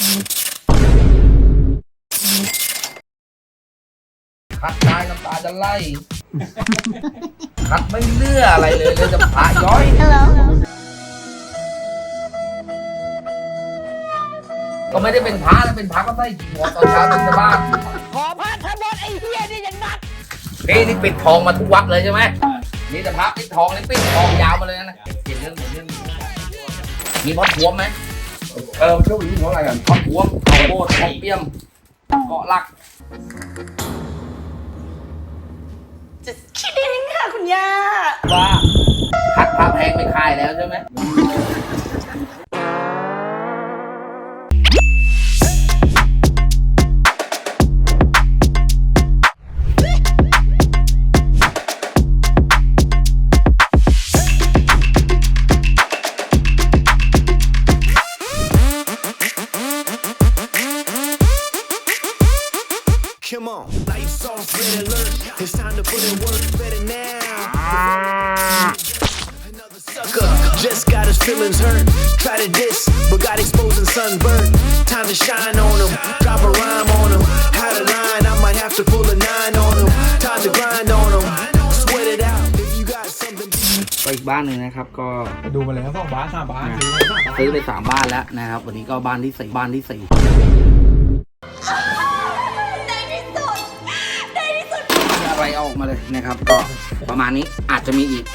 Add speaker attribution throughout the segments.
Speaker 1: คัดตายน้ำตาจะไหลคัดไม่เลือกอะไรเลยจะพระย้อยก็ไม่ได้เป็นพระนะเป็นพระก็ใส่จีวรตอนเช้าตื่นบ้าน
Speaker 2: ขอพระทั้งหมดไอ้เหี้ยนี่อย่างนัก
Speaker 1: นี่ปิดทองมาทุกวัดเลยใช่ไหมนี่แต่พระปิดทองนี่ปิดทองยาวมาเลยนะเห็นเรื่องมีพอดพวมไหม
Speaker 3: ช่วงนี้เพราะอะไรกัน
Speaker 1: พอดพวมข้าวโพดข้าวเปี้ยมเกาะลัก
Speaker 2: จะคิดเองค่ะคุณย่า
Speaker 1: ว่าคัดพระแพงไปขายแล้วใช่ไหม
Speaker 4: Come on, lights off, red alert. It's time to put in work better now. Another sucker just got his feelings hurt. Try to diss, but got exposed and sunburned. Time to shine on him, drop a rhyme on him. How to line, I might have to pull a 9 on him. Time to grind on him, sweat it out. If you got something.
Speaker 1: ไปอีกบ้านหนึ่งนะครับก็
Speaker 3: ดูมาแล้ว2 บ้าน 3 บ้าน
Speaker 1: ซื้อไป3 บ้านแล้วนะครับวันนี้ก็บ้านที่4อะไรเอาออกมาเลยนะครับก็ประมาณนี้อาจจะมีอีก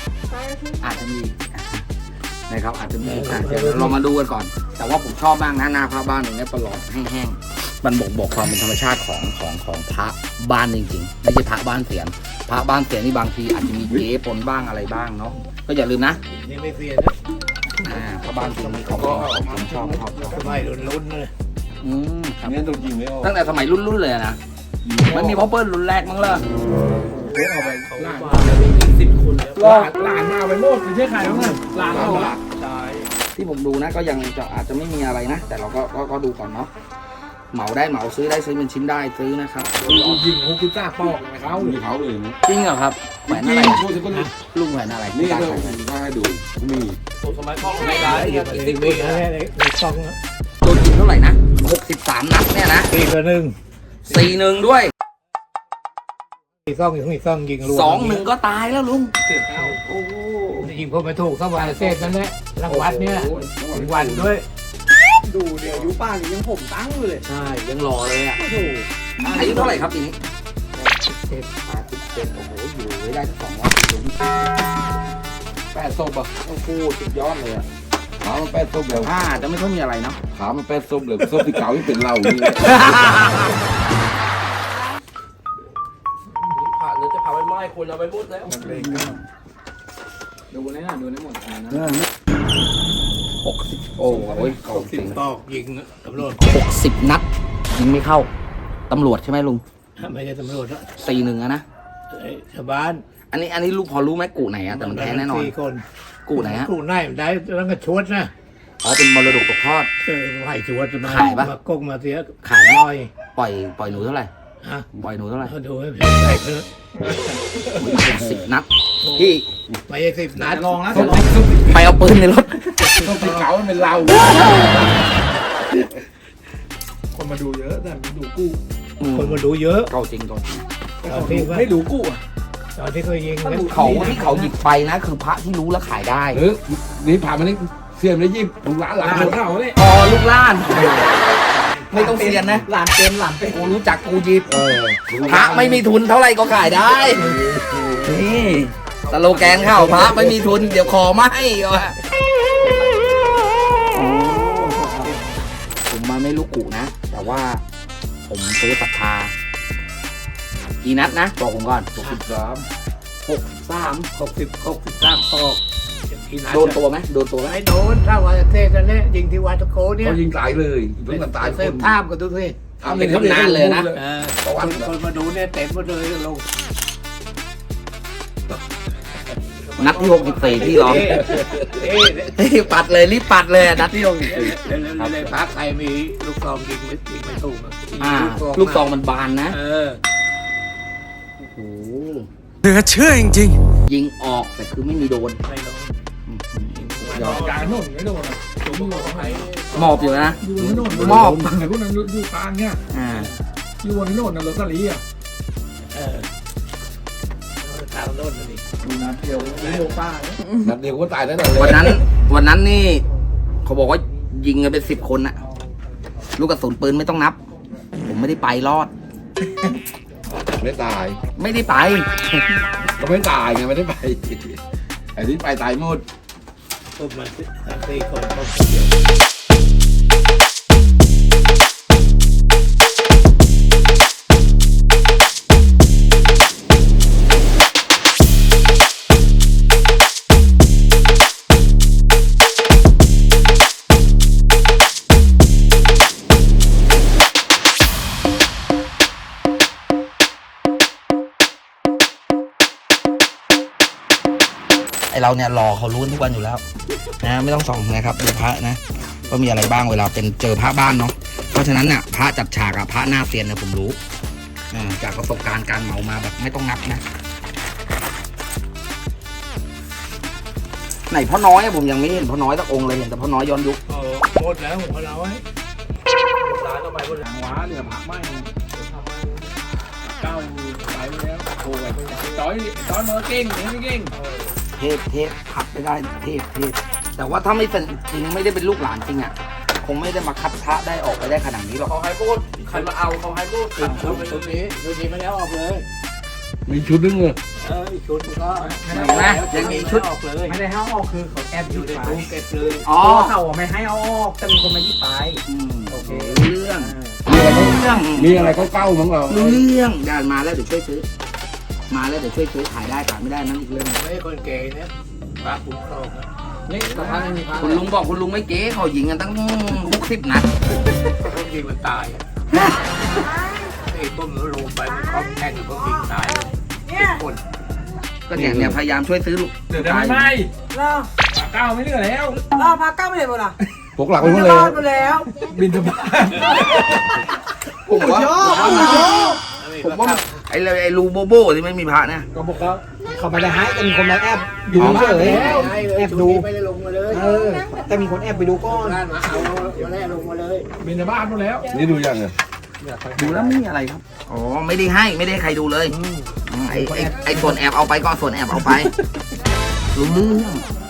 Speaker 1: นะครับอาจจะมีเดี๋ยวเรามาดูกันก่อนแต่ว่าผมชอบมากนะหน้าพระบ้านอย่างนี้ประหลอดแห้งๆมันบอกความเป็นธรรมชาติของพระบ้านจริงๆไม่ใช่พระบ้านเสียนพระบ้านเสียนนี่บางทีอาจจะมีเก๊ปนบ้างอะไรบ้างเนาะก็อย่าลืมนะ
Speaker 3: นี่ไม่เสีย
Speaker 1: นะพระบ้านเสียนนี่ของผมชอบ
Speaker 3: สมัยรุ่นเลย
Speaker 1: ครับ
Speaker 3: เนี่ยตัวจริงไม่ออก
Speaker 1: ตั้งแต่สมัยรุ่นเลยนะมันมีพ่อเปิ้ลรุ่นแรกมั้งเลย
Speaker 3: เอาไปหลาน10 คนแล้วหลานมาไปหมดไม่ใช่ใครแล้วนะหลานเราละใช่
Speaker 1: ที่ผมดูนะก็ยังจะอาจจะไม่มีอะไรนะแต่เราก็ดูก่อนเนาะเหมาได้เหมาซื้อได้ซื้อเป็นชิ้นได้ซื้อนะครับ
Speaker 3: ยิง69 ปอกเขาเลยนะ
Speaker 1: จริงเหรอครับแหวนอะไรลุงแหวนอะไร
Speaker 3: นี่ก็ถ้าให้ดูมี
Speaker 1: สมัยพ่อไม่ได้
Speaker 3: 10 ปีแล้วซอง
Speaker 1: ตัวจริงเท่าไหร่นะ63 นัดเนี่ยนะ4-1ด้วย
Speaker 3: ซ่องยิงรวม
Speaker 1: 2-1ก็ตายแล้วลุง
Speaker 3: โอ้ยิงพวกไม่ถูกเข้าไปเศษนั่นแหละรางวัลเนี่ยวันด้วย
Speaker 2: ดูเดี๋ยวยุป้ายังผมตั้งเลย
Speaker 1: ใช่ยังรอเลยอ่ะอายุเท่าไหร่ครับปีนี้87โอ้โหอยู่ไว้ได้200 ปีลุง
Speaker 3: 8 ศพอ่ะ
Speaker 1: โอ้โหสุดยอดเลยอ่ะ
Speaker 3: ขามัน8 ศพแล้ว
Speaker 1: จะไม่ค่อยมีอะไรเนาะ
Speaker 3: ขามัน8 ศพเลยศพที่เก่าที่เป็นเรานี่
Speaker 2: หรือจะเผาไปไหม้คนเอาไปมุดแล้ว
Speaker 3: ดูในหมด
Speaker 1: นะ60โอ้ย
Speaker 3: 60 ตอกยิงตำรวจ
Speaker 1: 60 นัดยิงไม่เข้าตำรวจใช่ไหมลุง
Speaker 3: ไม่ใช่ตำรวจ
Speaker 1: 4-1นะ
Speaker 3: ชาวบ้าน
Speaker 1: อันนี้ลูกพอรู้ไหมกูไหนอะแต่มันแพ้แน่นอน
Speaker 3: 4 คน
Speaker 1: กูไหนฮะ
Speaker 3: กูไหนได้แล้วก็ชวดนะ
Speaker 1: เป็นมรดกตกทอด
Speaker 3: ไหวชวดมา
Speaker 1: ขายปะ
Speaker 3: มากงมาเสีย
Speaker 1: ขาย
Speaker 3: น้อย
Speaker 1: ปล่อยหนูเท่าไหร่ปล่อยหนูเท่าไหร่
Speaker 3: ดูให้ใส่เพิ่ม
Speaker 1: 10 นัดพี่
Speaker 3: ไม่ใช่10 นัดลองแล้ว
Speaker 1: ไปเอาปืนในรถ
Speaker 3: ต้องไปเก๋าเป็นเราคนมาดูเยอะแต่ดูกู้คนมาดูเยอะ
Speaker 1: เก่าจริงก่อน
Speaker 3: ไม่ดูกู้ตอนที่เคยยิง
Speaker 1: เขาหยิบไปนะคือพระที่รู้แล้วขายได้
Speaker 3: นี่ผ่านมานี่เสียมได้ยิบลูกหลานเขาเนี่ย
Speaker 1: ลูกล้านไม่ต้องเสียนนะ
Speaker 2: หลานเป็น
Speaker 1: กูรู้จักกูยิบพระไม่มีทุนเท่าไหร่ก็ขายได้นี่สโลแกนเข้าพระไม่มีทุนเดี๋ยวขอไม่ผมมาไม่รู้กูนะแต่ว่าผมซื้อศรัทธากี่นัดนะบอกผมก่อน
Speaker 3: 63 ปอก
Speaker 1: โดนตัวไหม
Speaker 3: ไม่โดนถ้าว่าเทศนั่นแหละยิงที่วัดตะโกเนี่ย
Speaker 1: เขายิงตายเลยเพิ่งตาย
Speaker 3: เส้นท่ามกันทุกที
Speaker 1: เป็นตำนานเลยนะ
Speaker 3: คนมาดูเนี่ยเต็มหมดเลยลง
Speaker 1: นัดที่64ที่ร้องปัดเลยรีบปัดเลยนัดที่64
Speaker 3: เลยพักใครมีลูกซองยิงไม่ถูก
Speaker 1: ลูกซองมันบานนะ
Speaker 4: โอ้โหเหลือเชื่อจริง
Speaker 1: ยิงออกแต่คือไม่มีโดน
Speaker 3: การโน่นไม่โดนอยู่ไหน
Speaker 1: หมอบอยู่นะ
Speaker 3: อยู่ที่โน่น
Speaker 1: มอบ
Speaker 3: ไหนพวกนั้นอยู่กลางเนี่ย
Speaker 1: อ่า
Speaker 3: อยู่ที่โน่นนะโรซาลีอ่ะ
Speaker 5: ทางโน่นนี่
Speaker 3: ดูนะเดียวนี่โลป้าเนี่ย
Speaker 6: นัดเดียวก็ตายแน่นอนเลย
Speaker 1: วันนั้นนี่เขาบอกว่ายิงกันเป็น10 คนอะลูกกระสุนปืนไม่ต้องนับ ผมไม่ได้ไปรอด
Speaker 6: ไม่ตาย
Speaker 1: ไม่ได้ไป
Speaker 6: ก็ไม่ตายไงไม่ได้ไปไอ้ที่ไปตายหมด
Speaker 5: ปุ๊บมาสี่คนก็
Speaker 1: ไอเราเนี่ยรอเขารู้ทุกวันอยู่แล้วนะไม่ต้องส่องนะครับดูพระนะว่ามีอะไรบ้างเวลาเป็นเจอพระบ้านเนาะเพราะฉะนั้นเนี่ยพระจัดฉากอะพระหน้าเซียนเนี่ยผมรู้จากประสบการณ์การเหมามาแบบไม่ต้องนับนะไหนพ่อน้อยอะผมยังไม่เห็นพ่อน้อยสักองค์เลยเห็นแต่พ่อน้อยย้อนยุค
Speaker 5: หมดแล้วของเราไว้ร้านก็ไปหมดแล้ว
Speaker 3: หางว้าเหลือผักไม่เนี่ยเก้าไปแล้วโอ้ยต้อยมือเก่งเนี่ยไม่เก่ง
Speaker 1: เทพขัดไม่ได้เทพแต่ว่าถ้าไม่เป็นจริงไม่ได้เป็นลูกหลานจริงอะคงไม่ได้มาคัดพระได้ออกไปได้ขนาดนี้หรอก
Speaker 5: เขาให้พูดใครมาเอาเขาให้พูดชุดนี้ไม่ได้ออกเลย
Speaker 6: มีชุดนึงเลย
Speaker 5: อีกชุดก็
Speaker 1: เห็นไหมยังมีชุด
Speaker 5: ออกเลย
Speaker 3: ไม่ได้ให้เอาออกคือเขาแอบ
Speaker 5: อ
Speaker 3: อยู่
Speaker 5: ยู่ใน
Speaker 3: ใน
Speaker 5: ตู้เก็บเลย
Speaker 1: อ๋อ
Speaker 3: เขาไม่ให้เอาออกแต่มีคนมายี่ไป
Speaker 1: โอเครู้เรื่องรู้เรื่อง
Speaker 6: มีอะไรก็เก้ามั้งเรา
Speaker 1: รู้เรื่องเดินมาแล้วเดี๋ยวช่วยซื้อมาแล้วเดี๋ยวช่วยซื้อขายได้ขายไม่ได้นั่นอีกเรื่อง
Speaker 5: ไม่คนเก๋เนี่ยพระคุ้มครองนะ
Speaker 3: นี่สะพานไม่มีพระ
Speaker 1: คุณลุงบอกคุณลุงไม่เก๋เขายิงกันตั้ง60 นัด
Speaker 5: พวกยิงมันตายไอ้ต้มแล้วลงไปมันคล้องแท่งพวกยิงตายคน
Speaker 1: ก็เนี่ยพยายามช่วยซื้อลูก
Speaker 3: เดี๋ยวไม่ไหม
Speaker 2: รอ
Speaker 3: ปากเก้าไม่เหลือแล้ว
Speaker 2: รอพักเก้าไปเลยบ่ล่ะ
Speaker 6: พวกหลักไปหมด
Speaker 2: จะ
Speaker 6: เล
Speaker 2: รอย ดไปแล้ว
Speaker 3: บินทบาท
Speaker 1: ผมว่าไอ้รูโบโบที่ไม่มีพระเนี่ย
Speaker 3: ก็บอกเขาไม่ได้ให้แต่มีคนมาแอบดูเฉยแอบดู
Speaker 5: ไม่ได้ลงมาเลย
Speaker 3: แต่มีคนแอบไปดูก้อน
Speaker 5: ร้านมาเอาวันแรกลงมาเลย
Speaker 3: บินทบาทหมดแล้ว
Speaker 6: นี่ดูยังไง
Speaker 1: ดูแล้วไม่มีอะไรครับอ๋อไม่ได้ให้ใครดูเลยไอ้ส่วนแอบเอาไปก็ส่วนแอบเอาไปรู้เรื่อง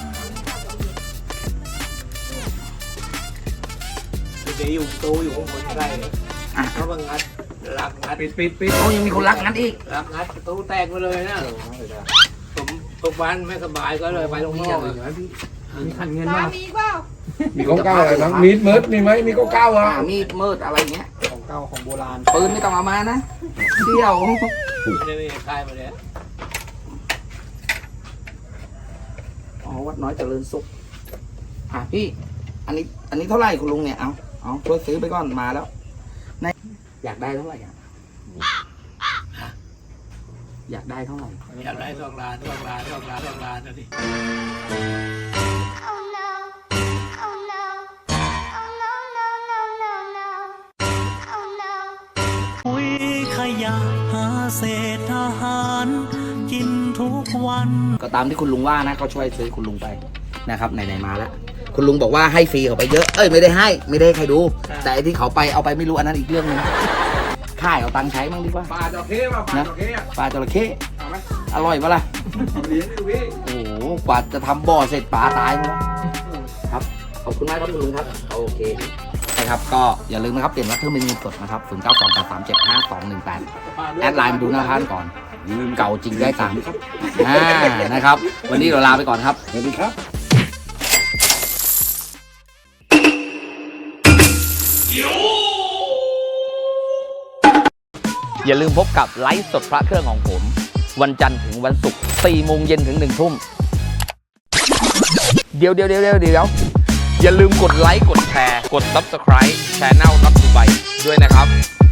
Speaker 5: เดี๋ยวอยู่ตู้อยู่ข้างบนใกล้เขาบังงัดรักงัด
Speaker 3: ปิด
Speaker 1: เขายังมีคนรักงั้นอีก
Speaker 5: รักงัดตู้แตกไปเลยนะผมตกบ้านไม่สบายก็เลยไปโรงพยาบาล
Speaker 3: มีขันเงินมา
Speaker 2: มีเปล่า
Speaker 6: มีก็เก้าอะไรบ้างมีดเมิร์ดมีไหมมีก็เก้าอ่ะ
Speaker 1: มีดมืดอะไรเงี้ย
Speaker 3: ของเก่าของโบราณ
Speaker 1: ปืนไม่ต้องเอามานะเที่ยว
Speaker 5: ไม่ได้คลายมาแล้ว
Speaker 1: อ๋อวัดน้อยเจริญสุขพี่อันนี้เท่าไหร่คุณลุงเนี่ยเอาช่วยซื้อไปก่อนมาแล้วอยากได้เท่าไหร่อยากได้เท่าไหร่
Speaker 5: อยากได้2 ล้านนะดิ
Speaker 7: Oh no. Oh no. Oh no, no, no, no, no. Oh no.
Speaker 8: ปุ๋ยขยะหาเศษอาหารกินทุกวัน
Speaker 1: ก็ตามที่คุณลุงว่านะเขาช่วยซื้อคุณลุงไปนะครับไหนๆมาแล้วคุณลุงบอกว่าให้ฟรีเขาไปเยอะไม่ได้ให้ใครดู แต่ไอ้ที่เขาไปเอาไปไม่รู้อันนั้นอีกเรื่องนึงค่ายเอาตังค์ใช้บ้างดีกว่า
Speaker 3: ปลาจระเข้ป่ะปลาจระเข้อะ
Speaker 1: ปลาจระเข้
Speaker 3: เอาไหม
Speaker 1: อร่อยปะล่ะ
Speaker 3: เลี้ยงดูพี่
Speaker 1: โอ้โหกว่าจะทำบ่อเสร็จปลาตายหมดแล้วครับขอบคุณมากครับคุณลุงครับโอเคนะครับก็อย่าลืมนะครับเปลี่ยนว่าเครื่องเป็นเงินสดนะครับ0928375218แอดไลน์มาดูหน้าท่านก่อนเก่าจริงได้ตังค์นะครับวันนี้เราลาไปก่อนครับ
Speaker 6: สวัสดีครับ
Speaker 1: อย่าลืมพบกับไลฟ์สดพระเครื่องของผม วันจันทร์ถึงวันศุกร์4 โมงเย็นถึง 1 ทุ่มเดี๋ยวอย่าลืมกดไลค์กดแชร์กด Subscribe Channel Not Dubai ด้วยนะครับ